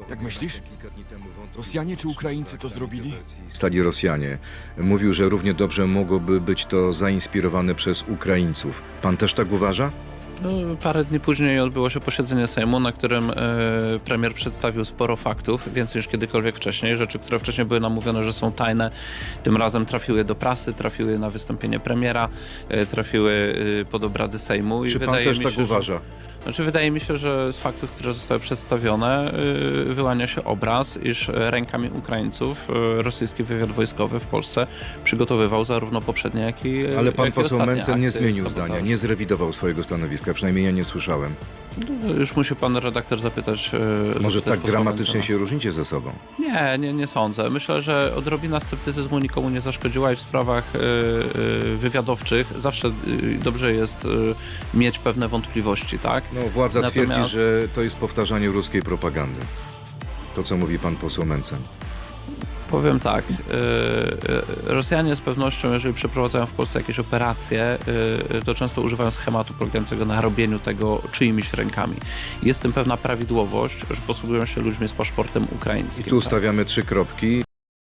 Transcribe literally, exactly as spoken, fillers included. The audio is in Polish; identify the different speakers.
Speaker 1: Jak myślisz? Rosjanie czy Ukraińcy to zrobili?
Speaker 2: Stali Rosjanie. Mówił, że równie dobrze mogłoby być to zainspirowane przez Ukraińców. Pan też tak uważa?
Speaker 3: No, parę dni później odbyło się posiedzenie Sejmu, na którym e, premier przedstawił sporo faktów, więcej niż kiedykolwiek wcześniej. Rzeczy, które wcześniej były nam mówione, że są tajne, tym razem trafiły do prasy, trafiły na wystąpienie premiera, e, trafiły e, pod obrady Sejmu. I
Speaker 2: Czy pan
Speaker 3: wydaje
Speaker 2: też
Speaker 3: mi
Speaker 2: tak
Speaker 3: się,
Speaker 2: uważa?
Speaker 3: Że, znaczy, wydaje mi się, że z faktów, które zostały przedstawione, e, wyłania się obraz, iż rękami Ukraińców e, rosyjski wywiad wojskowy w Polsce przygotowywał zarówno poprzednie, jak i
Speaker 2: Ale pan
Speaker 3: jak i
Speaker 2: poseł
Speaker 3: ostatnie
Speaker 2: Mencen nie
Speaker 3: akty
Speaker 2: zmienił
Speaker 3: sabotażu.
Speaker 2: zdania, nie zrewidował swojego stanowiska, przynajmniej ja nie słyszałem.
Speaker 3: No, już musi pan redaktor zapytać. e,
Speaker 2: Może
Speaker 3: zapytać
Speaker 2: tak
Speaker 3: posła
Speaker 2: gramatycznie
Speaker 3: Mencena.
Speaker 2: się różnicie ze sobą?
Speaker 3: Nie, nie, nie sądzę. Myślę, że odrobina sceptycyzmu nikomu nie zaszkodziła i w sprawach y, y, wywiadowczych zawsze y, dobrze jest y, mieć pewne wątpliwości, tak?
Speaker 2: No, władza
Speaker 3: Natomiast-
Speaker 2: twierdzi, że to jest powtarzanie ruskiej propagandy. To, co mówi pan poseł Mencen.
Speaker 3: Powiem tak, y, y, Rosjanie z pewnością, jeżeli przeprowadzają w Polsce jakieś operacje, y, to często używają schematu polegającego na robieniu tego czyimiś rękami. Jest w tym pewna prawidłowość, że posługują się ludźmi z paszportem
Speaker 2: I
Speaker 3: ukraińskim.
Speaker 2: tu
Speaker 3: tak?
Speaker 2: ustawiamy trzy kropki.